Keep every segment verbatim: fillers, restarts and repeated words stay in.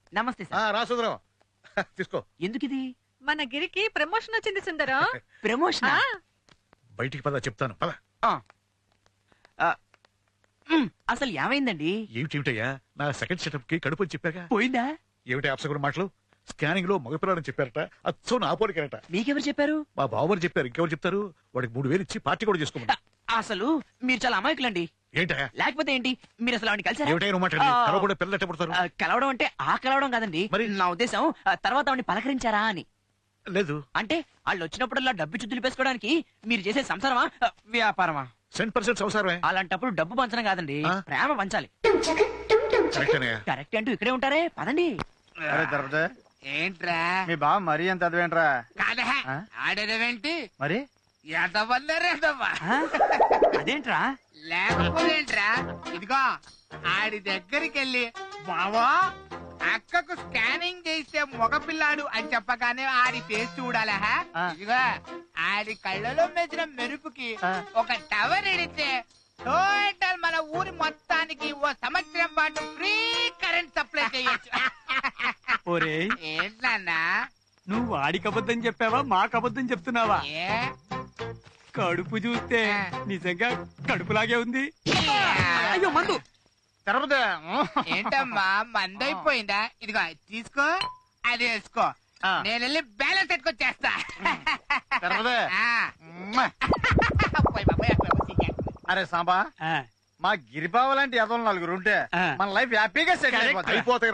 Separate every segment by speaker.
Speaker 1: నమస్తే సార్.
Speaker 2: రా సుందరం తీసుకో.
Speaker 1: ఎందుకు ఇది?
Speaker 3: మన గిరికి ప్రమోషన్ వచ్చింది సుందరం.
Speaker 1: ప్రమోషన్?
Speaker 2: బయటికి పద చెప్తాను పద.
Speaker 1: అసలు ఏమైందండి?
Speaker 2: ఏమిటేమిటయ్యా నా సెకండ్ సెటప్ కి కడుపు చెప్పాక
Speaker 1: పోయిందా?
Speaker 2: ఏమిటి అప్సగుడు మాటలు? స్కానింగ్ లో మగపిల్లాడని చెప్పారట, అచ్చో నా పోలికరట.
Speaker 1: మీకెవరు చెప్పారు?
Speaker 2: మా బావగారు చెప్పారు. ఇంకెవరు చెప్తారు? వాడికి మూడు వేలు ఇచ్చి పార్టీ కూడా చేసుకోమని.
Speaker 1: అసలు మీరు చాలా అమాయకులండి.
Speaker 2: ఏంటయ్యా?
Speaker 1: లేకపోతే ఏంటి, మీరు అసలు ఆవిడని కలిసారా?
Speaker 2: ఏమిటయ్యా నువ్వు మాట్లాడి? కలవకుండా పిల్లలు ఎట్ట పుడతారు?
Speaker 1: కలవడం అంటే ఆ కలవడం కాదండి.
Speaker 2: మరి
Speaker 1: నా ఉద్దేశం తర్వాత ఆవిడని పలకరించారా అని.
Speaker 2: లేదు.
Speaker 1: అంటే వాళ్ళు వచ్చినప్పుడల్లా డబ్బు చుద్దులు పేసుకోవడానికి మీరు చేసే సంసారమా వ్యాపారమా?
Speaker 2: సెంట్ పర్సెంట్ సంసారమే.
Speaker 1: అలాంటప్పుడు డబ్బు పంచడం కాదండి, ప్రేమ పంచాలి. కరెక్ట్ అంటూ ఇక్కడే ఉంటారే, పదండి.
Speaker 4: ఏంట్రా
Speaker 5: మీ బావ మరీ ఎంత అదవేంట్రా?
Speaker 4: కాదా ఆడేదేంటి
Speaker 5: మరి
Speaker 4: ఎదవల్లరేదవ్వా
Speaker 1: అదేంట్రా?
Speaker 4: లేకపోతేంట్రా ఇదిగో ఆడి దగ్గరికి వెళ్ళి బావా అక్కకు స్కానింగ్ చేసే మగపిల్లాడు అని చెప్పగానే ఆడి ఫేస్ చూడాలా? ఇదిగో ఆడి కళ్ళలో మెచ్చిన మెరుపుకి ఒక టవర్ ఎడితే టోటల్ మన ఊరి మొత్తానికి ఓ సంవత్సరం పాటు ఫ్రీ కరెంట్ సప్లై చేయొచ్చు. ఏంటన్నా
Speaker 6: నువ్వు వాడికి అబద్ధం చెప్పావా మాకు అబద్ధం చెప్తున్నావా? కడుపు చూస్తే నిజంగా కడుపులాగే ఉంది.
Speaker 1: అయ్యో మందు
Speaker 4: ఏంటమ్మా మందైపోయిందా? ఇదిగో తీసుకో, అది వేసుకో, నేను వెళ్ళి బ్యాలెన్స్ ఎట్టుకొచ్చేస్తా.
Speaker 5: అరే సాంబా, మా గిరిబావ లాంటి ఎదవలు నలుగురు ఉంటే మన లైఫ్ హ్యాపీగా సెటిల్
Speaker 2: అయిపోతాయి.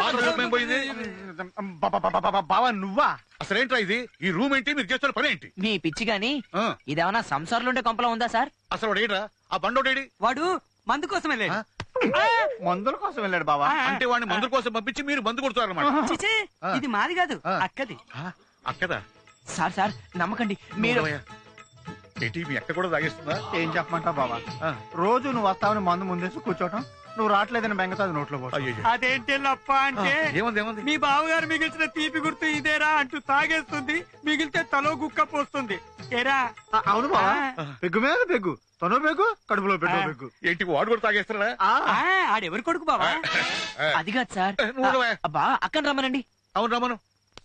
Speaker 5: బావా నువ్వా?
Speaker 2: అసలేంట్రా ఇది? ఈ రూమ్ ఏంటి? మీరు చేస్తున్న పని ఏంటి?
Speaker 1: మీ పిచ్చి గాని ఇదేమన్నా సంసారంలో ఉండే కొంపలా ఉందా సార్?
Speaker 2: అసలు వాడు ఏంట్రా? ఆ బండోడేడి?
Speaker 6: వాడు మందు కోసం వెళ్ళాడు.
Speaker 5: మందుల కోసం వెళ్ళాడు బావా?
Speaker 2: అంటే వాడిని మందుల కోసం పంపించి మీరు మందు కొడుతారన్నమాట.
Speaker 6: ఇది మాది కాదు, అక్కది.
Speaker 2: అక్కదా?
Speaker 1: సార్ సార్ నమ్మకండి మీరు.
Speaker 2: ఏంటి మీ అక్క కూడా తాగేస్తుందా?
Speaker 5: ఏం చెప్పమంటావు బావా, రోజు నువ్వు వస్తావని మందు ముందేసి కూర్చోటం, నువ్వు రావట్లేదని బెంగతో అది నోట్లో పోతావు.
Speaker 6: అదేంటి లప్ప అంటే
Speaker 2: ఏముంది?
Speaker 6: మీ బావగారు మిగిల్చిన తీపి గుర్తు ఇదేరా అంటూ తాగేస్తుంది, మిగిలితే తలో గుక్క పోస్తుంది. ఏరా?
Speaker 5: అవును బావా, పెగ్గు మీద పెగ్గు, తను పెగ్గు, కడుపులో పెట్టు పెగ్గు.
Speaker 2: ఏంటి వాడు కూడా తాగేస్తాడా?
Speaker 6: ఆడెవరు కొడుకు బావా?
Speaker 1: అది కాదు సార్. అబ్బా అక్కని రమ్మనండి.
Speaker 2: అవును రమ్మను.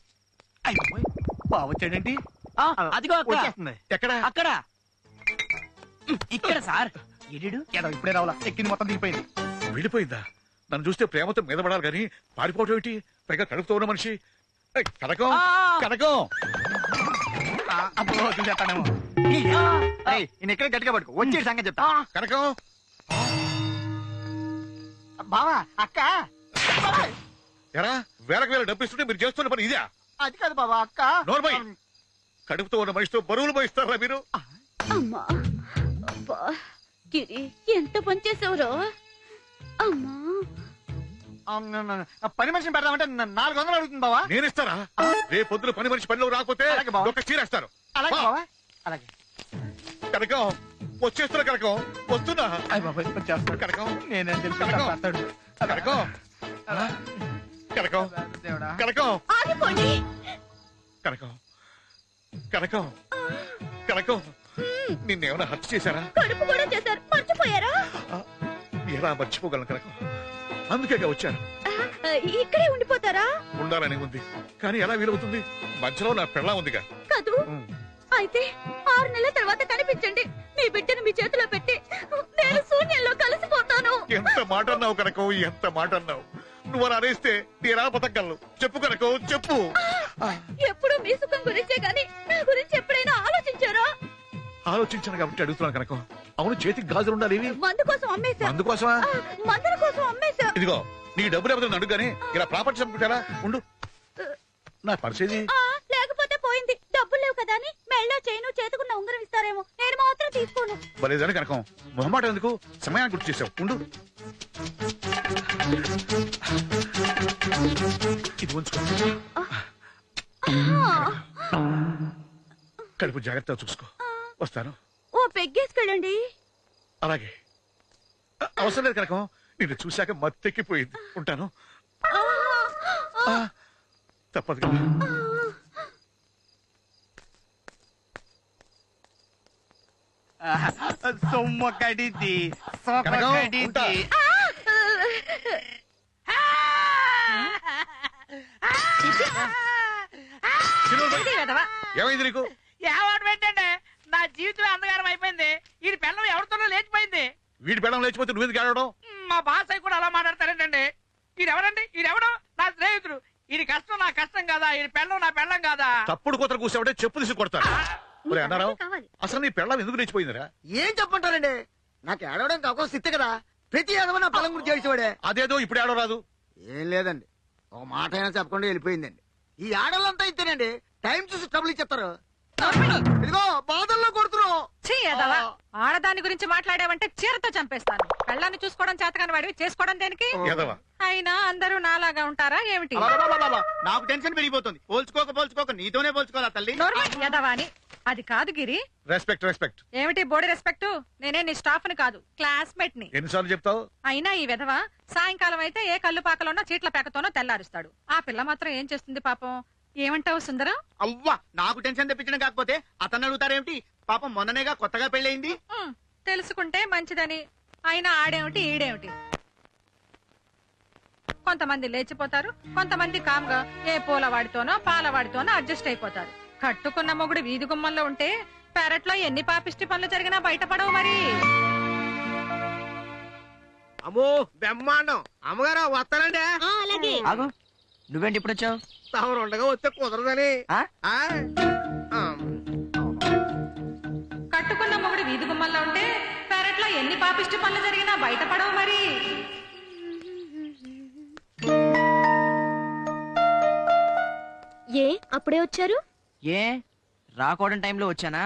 Speaker 6: బావ వచ్చాడేంటి?
Speaker 1: అదిగో
Speaker 5: వచ్చేస్తుంది.
Speaker 2: ఎక్కడ?
Speaker 1: అక్కడ ఇక్కడ సార్. ఎడు
Speaker 5: ఇప్పుడే రావాలా? ఎక్కింది మొత్తం దిగిపోయింది.
Speaker 2: వెళ్ళిపోయిందా? నన్ను చూస్తే ప్రేమతో మీద పడాలి కానీ పారిపోవటం ఏంటి? పైగా కడుపుతో ఉన్న మనిషి. కనకం కనకం
Speaker 5: చూసేస్తానేమో. నేను ఎక్కడ గట్టిగా పట్టుకో, వచ్చే సంగతి చెప్తా.
Speaker 2: కనకం
Speaker 5: బావా అక్క
Speaker 2: ఎరా వేలకు వేల డబ్బు ఇస్తుంటే మీరు చేస్తున్న పని ఇదే?
Speaker 5: అది కాదు బావా అక్క.
Speaker 2: నోర్మై, కడుపుతో ఉన్న మనిషితో బరువులు పోయిస్తారా మీరు?
Speaker 7: అమ్మా అబ్బా గిరి ఎంత పని చేసావురో. అమ్మా
Speaker 5: పని మనిషిని పెడదామంటే నాలుగు వందలు అడుగుతుంది బావా.
Speaker 2: నేను ఇస్తారా? రేపు పొద్దున పని మనిషి పనిలో రాకపోతే ఒక చీరేస్తారు.
Speaker 5: అలాగే బావా. అలాగే
Speaker 2: కనకం వచ్చేస్తున్నా. కనకం వస్తున్నా. కనకం
Speaker 5: నేనేం తెలుసు
Speaker 2: కనకం కనకం కనకం
Speaker 7: ఆగిపోండి.
Speaker 2: కనకం కనకం కనకం నిన్నేమైనా హత్య చేశారా?
Speaker 7: కడుపు కూడా చేశారు, మర్చిపోయారా?
Speaker 2: ఎలా మర్చిపోగలను కనకం? అందుకే వచ్చాను.
Speaker 7: ఇక్కడే ఉండిపోతారా?
Speaker 2: ఉండాలని ఉంది కానీ ఎలా వీలవుతుంది? మధ్యలో నా పెళ్ళా ఉందిగా.
Speaker 7: కాదు అయితే ఆరు నెలల తర్వాత కనిపించండి. మీ బిడ్డను మీ చేతిలో పెట్టి నేను శూన్యంలో కలిసిపోతాను.
Speaker 2: ఎంత మాట అన్నావు కనకం, ఎంత మాట అన్నావు. నువ్వు అలా అనేస్తే నేనా బతకగలను? చెప్పు కనకం చెప్పు.
Speaker 7: ఎప్పుడు మీ సుఖం గురించే గాని నా గురించి ఎప్పుడైనా ఆలోచించారా?
Speaker 2: ఆలోచించాను కాబట్టి అడుగుతున్నాను కనకం. అవును చేతికి గాజులు ఉండాలి.
Speaker 7: మందు కోసం అమ్మేశా.
Speaker 2: మందు కోసమా?
Speaker 7: మందుల కోసం అమ్మేశా.
Speaker 2: ఇదిగో నీ డబ్బులు ఎవరైనా అడుగుగానే ఇలా ప్రాపర్టీ చంపుకుంటారా? ఉండు నా పరిస్థితి.
Speaker 7: లేకపోతే పోయింది. డబ్బులు లేవు కదా అని మెళ్ళో చైను చేతుకున్న ఉంగరం ఇస్తారేమో, నేను మాత్రం తీసుకోను.
Speaker 2: బలేదని కనకం మొహమాట ఎందుకు? సమయాన్ని గుర్తు చేసావు. ఉండు ఇది ఉంచుకో. కడుపు జాగ్రత్తగా చూసుకో. వస్తాను.
Speaker 7: ఓ పెగ్గేసుకెళ్ళండి.
Speaker 2: అలాగే. అవసరం లేదు కనకం, నిన్ను చూశాక మత్తెక్కిపోయింది. ఉంటాను. తప్పదు కదా.
Speaker 5: సొమ్మ కడిది
Speaker 2: కనకం, ఉంటా.
Speaker 3: ఇది వెధవ.
Speaker 2: ఏమైంది నీకు?
Speaker 4: ఏవాడు పెట్టండి నా జీవితం అంధకారం అయిపోయింది. ఈ పిల్లం ఎవరితోనో లేచిపోయింది.
Speaker 2: వీడి పెళ్ళం లేచిపోతే నువ్వు ఎందుకు ఆడడం?
Speaker 4: మా బాస్ అయి కూడా అలా మాట్లాడతారేంటండి? ఈడెవడండి? ఈడెవడు? నా స్నేహితుడు. ఇది కష్టం నా కష్టం కాదా? ఇది పెళ్ళం నా పెళ్ళం కాదా?
Speaker 2: తప్పుడు కూతురు కూర్చోబట్టే చెప్పు తీసి కొడతాను. ఒరే అన్నారావు,
Speaker 7: కావాలి.
Speaker 2: అసలు నీ పెళ్ళం ఎందుకు లేచిపోయిందిరా?
Speaker 8: ఏం చెప్పంటారండి? నాకు ఏడవడానికి అవకాశం ఇస్తే కదా. ప్రతి ఏదవ నా పొలం గురించి ఏడ్చేవాడే.
Speaker 2: అదేదో ఇప్పుడు ఆడో రాదు.
Speaker 8: ఏం లేదండి, ఒక మాట అయినా చెప్పకుండా వెళ్ళిపోయిందండి. ఈ ఆడలంతా ఇస్తేనండి టైం చూసి ట్రబుల్ ఇచ్చేస్తారు. ఇదిగో బాధల్లో కొడుతున్నావు.
Speaker 3: ఛీ, వెధవ. ఆడదాని గురించి మాట్లాడావంటే చీరతో చంపేస్తాను. పెళ్ళాన్ని చూసుకోవడం చేతకాని వాడివి, చేసుకోవడం దేనికి?
Speaker 2: ఎదవా
Speaker 3: అయినా అందరూ నాలాగా ఉంటారా ఏమిటి?
Speaker 5: అబ్బబ్బబ్బబ్బబ్బ, నాకు టెన్షన్ పెరిగిపోతుంది. పోల్చుకోక పోల్చుకోక నీతోనే పోల్చుకోవాలా తల్లి?
Speaker 3: నోర్మల్ ఎదవా అని. అది కాదు గిరి.
Speaker 2: Respect respect.
Speaker 3: ఏమిటి బోడి రెస్పెక్ట్? నేనే నీ స్టాఫ్ ని కాదు, క్లాస్మేట్ ని.
Speaker 2: ఎన్నిసార్లు చెప్తావు?
Speaker 3: అయినా ఈ విధవ సాయంకాలం అయితే ఏ కళ్ళు పాకలోనో చీట్ల పేకతోనో తెల్లారుస్తాడు. ఆ పిల్ల మాత్రం ఏం చేస్తుంది పాపం? ఏమంటావు సుందరం?
Speaker 5: అవ్వా, నాకు టెన్షన్ తెప్పించడం కాకపోతే అతన్ని అడుగుతారేమిటి? పాపం మొన్ననేగా కొత్తగా పెళ్ళయింది.
Speaker 3: ఉమ్, తెలుసుకుంటే మంచిదని. అయినా ఆడేమిటి ఈడేమిటి? కొంతమంది లేచిపోతారు, కొంతమంది కామ్గా ఏ పూలవాడితోనో పాలవాడితోనో అడ్జస్ట్ అయిపోతారు. కట్టుకున్న మొగుడు వీధి గుమ్మంలో ఉంటే పెరట్లో ఎన్ని పాపిష్టి పనులు జరిగినా బయటపడవు మరి.
Speaker 8: అమ్మో బ్రహ్మాండం. అమ్మగారు వస్తానండి.
Speaker 7: అలాగే.
Speaker 1: ఆగు, నువ్వేంటి ఇప్పుడు వచ్చావు?
Speaker 8: తమరు ఉండగా వస్తే కుదరదని.
Speaker 1: ఆ?
Speaker 8: ఆ? ఆ.
Speaker 3: కట్టుకున్న మొగుడు వీధి గుమ్మంలో ఉంటే పెరట్లో ఎన్ని పాపిష్టి పనులు జరిగినా బయటపడవు మరి.
Speaker 7: ఏ అప్పుడే వచ్చారు?
Speaker 1: ఏ రాకూడని టైంలో వచ్చానా?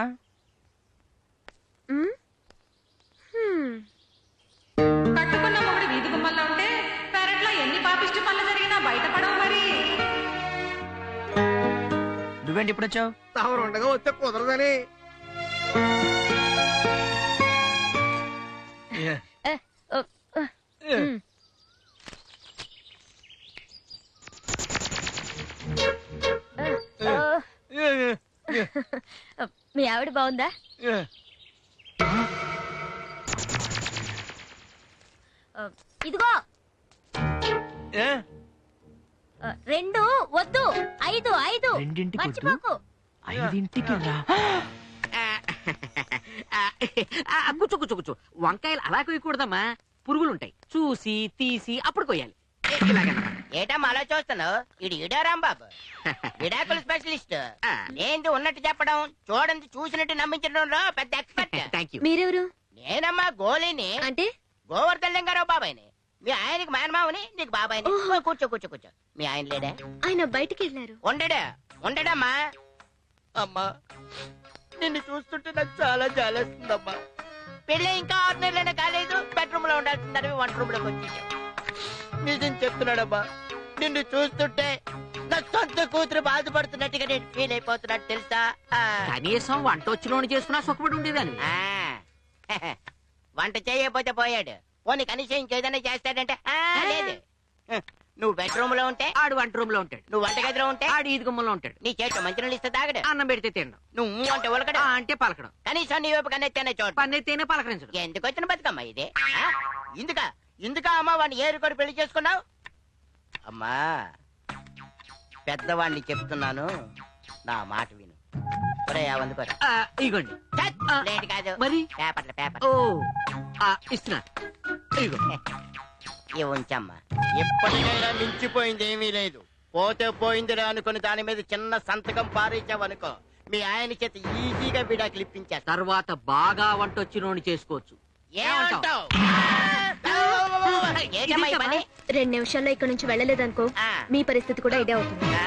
Speaker 7: ఉమ్, హ్మ్.
Speaker 3: కట్టుకున్న మొగుడు వీధి గుమ్మంలో ఉంటే పెరట్లో ఎన్ని పాపిష్టి పనులు జరిగినా బయటపడవు మరి.
Speaker 1: నువ్వేంటి ఇప్పుడు వచ్చావు?
Speaker 8: తమరు ఉండగా వస్తే కుదరదని.
Speaker 7: ఏ, ఓ, ఆ, ఉమ్. ఆ, ఆ. మీ ఆవిడ బాగుందా? ఆ, ఇదిగో ఆ, రెండు వద్దు, ఐదు ఐదు
Speaker 1: రెండింటికి వద్దు?
Speaker 7: మర్చిపోకు.
Speaker 1: ఐదింటికి రా.
Speaker 9: కూర్చో కూర్చో కూర్చో. వంకాయలు అలా కొయ్యకూడదమ్మా, పురుగులుంటాయి. చూసి తీసి అప్పుడు కొయ్యాలి.
Speaker 10: ఏటమ్మా అలా చూస్తున్నావు? ఇది ఇడారాంబాబు, విడాకుల స్పెషలిస్ట్. ఏంటి ఉన్నట్టు చెప్పడం, చూడండి చూసినట్టు నమ్మించడంలో పెద్ద ఎక్స్పర్ట్.
Speaker 9: Thank you.
Speaker 7: మీరెవరు?
Speaker 10: నేనమ్మా గోలిని,
Speaker 7: అంటే
Speaker 10: గోవర్ధన్ లింగారావు బాబాయిని. మీ ఆయనకి మేనమావని, నీకు బాబాయిని.
Speaker 7: ఓహో.
Speaker 10: కూర్చో కూర్చో కూర్చో. మీ ఆయన లేడా?
Speaker 7: ఆయన బయటికి వెళ్ళారు.
Speaker 10: ఉండడా ఉండడమ్మా. అమ్మా నిన్ను చూస్తుంటే నాకు చాలా జాలేస్తుందమ్మా. పెళ్ళి ఇంకా ఆరు నెలలైనా కాలేదు, బెడ్రూమ్ లో ఉండాల్సిందని వంట రూమ్ లోకి వచ్చేసావు. నిజం చెప్తున్నాడమ్మా, నిన్ను చూస్తుంటే నా సొంత కూతురు బాధపడుతున్నట్టుగా నేను ఫీల్ అయిపోతున్నట్టు తెలుసా? ఆ.
Speaker 9: కనీసం వంట వచ్చినోని చేసుకున్నా సుఖపడి ఉండేదాన్ని.
Speaker 10: ఆ. వంట చేయకపోతే పోయాడు, పోనీ కనీసం ఇంకేదైనా చేస్తాడంటే ఆ, లేదు. నువ్వు బెడ్రూమ్ లో ఉంటే
Speaker 9: ఆడు వంట రూమ్ లో ఉంటాడు,
Speaker 10: నువ్వు వంటగదిలో ఉంటే
Speaker 9: ఆడు ఈది గుమ్మలో ఉంటాడు.
Speaker 10: నీ చేతిలో మంచినీళ్ళు ఇస్తే తాగడు,
Speaker 9: అన్నం పెడితే తినడం,
Speaker 10: నువ్వు అంటే ఉలకడు,
Speaker 9: ఆ అంటే పలకడం,
Speaker 10: కనీసం నీ వైపు కన్నెత్తేనే చోటు.
Speaker 9: పన్నెత్తేనే పలకరించడం.
Speaker 10: ఎందుకు వచ్చిన బతుకమ్మా ఇది? ఆ? ఇందుకా ఇందుకా అమ్మా వాడిని ఏరుకొని పెళ్లి చేసుకున్నావు? అమ్మా పెద్దవాడిని చెప్తున్నాను, నా మాట విను. ఒరే అందుకోరా.
Speaker 9: ఆ, ఇగోండి.
Speaker 10: లేట్ కాదు,
Speaker 9: మరి
Speaker 10: పేపర్ల పేపర్.
Speaker 9: ఓ ఆ, ఇస్తున్నా. ఇగో
Speaker 10: ఇవి ఉంచమ్మా. ఎప్పటికైనా మించిపోయింది ఏమీ లేదు. పోతే పోయిందిరా అనుకుని దాని మీద చిన్న సంతకం పారేసావనుకో, మీ ఆయన చేత ఈజీగా విడాకులు ఇప్పించేస్తా.
Speaker 9: తర్వాత బాగా వంట వచ్చినోని చేసుకోవచ్చు.
Speaker 10: ఏమంటావ్? ఏంటమ్మా ఈ పని?
Speaker 7: రెండు నిమిషాల్లో ఇక్కడ నుంచి వెళ్ళలేదనుకో,
Speaker 10: ఆ.
Speaker 7: మీ పరిస్థితి కూడా ఇదే అవుతుంది.
Speaker 10: ఆ?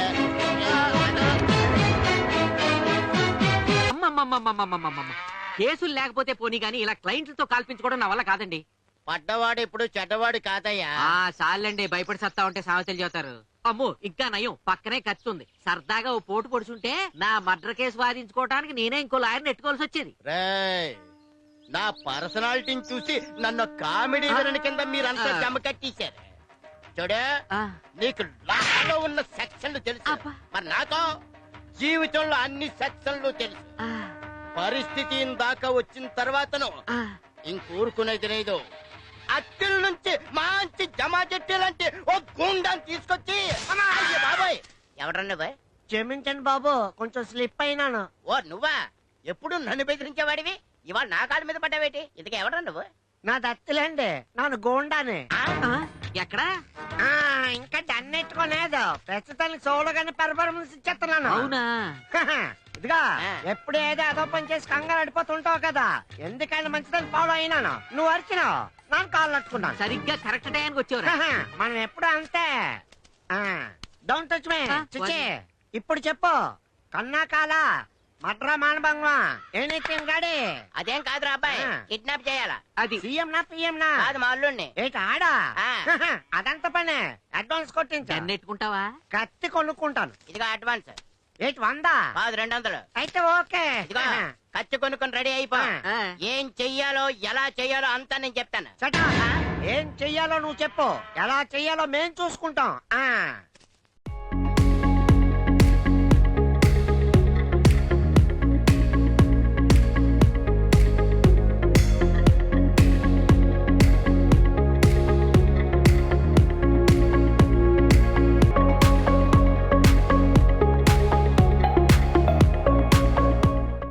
Speaker 9: అమ్మమ్మమ్మమ్మమ్మమ్మమ్మ. కేసులు లేకపోతే పోనీ గానీ ఇలా క్లయింట్లతో కాల్పించుకోవడం నా వల్ల కాదండి.
Speaker 10: పడ్డవాడు ఇప్పుడు చెడ్డవాడు కాదయ్యా.
Speaker 9: ఆ చాలండి, భయపడి సత్తా ఉంటే సామెతలు చెబుతారు. అమ్మో ఇంకా నయం, పక్కనే ఖర్చు ఉంది. సరదాగా ఓ పోటు పొడుచుంటే నా మర్డర్ కేసు వాదించుకోవడానికి నేనే ఇంకో లాయర్ నెట్టుకోవాల్సి వచ్చేది.
Speaker 10: రేయ్, నా పర్సనాలిటీని చూసి నన్ను కామెడీ విలన్ కింద మీరంతా జమ కట్టేశారు. చూడు,
Speaker 9: ఆ,
Speaker 10: నీకు లాలో ఉన్న సెక్షన్లు తెలుసు,
Speaker 9: అబ్బా.
Speaker 10: మరి నాతో జీవితంలో అన్ని సెక్షన్లు తెలుసు.
Speaker 9: ఆ,
Speaker 10: పరిస్థితి దాకా వచ్చిన తర్వాతను
Speaker 9: ఆ.
Speaker 10: ఇంకూరుకునేది లేదు. అత్తిల నుంచి మంచి జమా చెట్టు లాంటి ఓ గుండాన్ని తీసుకొచ్చి, అమ్మా, అయ్య బాబాయ్ ఎవడ్రా నువ్వు?
Speaker 9: క్షమించండి బాబు, కొంచెం స్లిప్ అయినాను.
Speaker 10: ఓ నువ్వా? ఎప్పుడు నన్ను బెదిరించేవాడివి, ఇవాళ నా కాళ్ళ మీద పడ్డావేటి? ఇంతకీ ఎవడ్రా నువ్వు?
Speaker 9: నా దత్తులేండి, నాను గోండానే.
Speaker 10: ఎక్కడా?
Speaker 9: ఇంకా దన్నెట్టుకోలేదు, ప్రస్తుతానికి చూడగానే పెర్ఫార్మెన్స్ ఇచ్చేస్తున్నాను.
Speaker 10: అవునా?
Speaker 9: ఇదిగా
Speaker 10: ఆ.
Speaker 9: ఎప్పుడు ఏదో అదో పని చేసి కంగారు అడిపోతుంటావు కదా, ఎందుకైనా మంచిదని ఫాలో అయినాను. నువ్వు అరిచినావు, ನಾನು కాళ్ళు అట్టుకున్నాను.
Speaker 10: సరిగ్గా కరెక్ట్ టైంకి వచ్చావురా.
Speaker 9: మనం ఎప్పుడు అంతే. డోంట్ టచ్ మీ చిచి. ఇప్పుడు చెప్పు, కన్నా కాల మడ్రా మానభంగమా ఎనీథింగ్ గాడి?
Speaker 10: అదేం కాదురా అబ్బాయి,
Speaker 9: ఆ.
Speaker 10: కిడ్నాప్ చేయాలా?
Speaker 9: అది సీఎం నా పిఎం నా?
Speaker 10: కాదు మా అల్లుడిని.
Speaker 9: ఏంటి ఆడా?
Speaker 10: ఆ.
Speaker 9: అదంత పనే, అడ్వాన్స్ కొట్టించా.
Speaker 10: నెట్టుకుంటావా?
Speaker 9: కత్తి కొనుక్కుంటాను.
Speaker 10: ఇదిగో అడ్వాన్స్.
Speaker 9: ఏంటి వందా?
Speaker 10: కాదు రెండు వందలు.
Speaker 9: అయితే ఓకే.
Speaker 10: ఇదిగో కత్తి కొనుక్కొని రెడీ అయిపో.
Speaker 9: ఆ.
Speaker 10: ఏం చెయ్యాలో ఎలా చెయ్యాలో అంతా నేను చెప్తాను.
Speaker 9: చటా. ఏం చెయ్యాలో నువ్వు చెప్పు, ఎలా చెయ్యాలో మేం చూసుకుంటాం. ఆ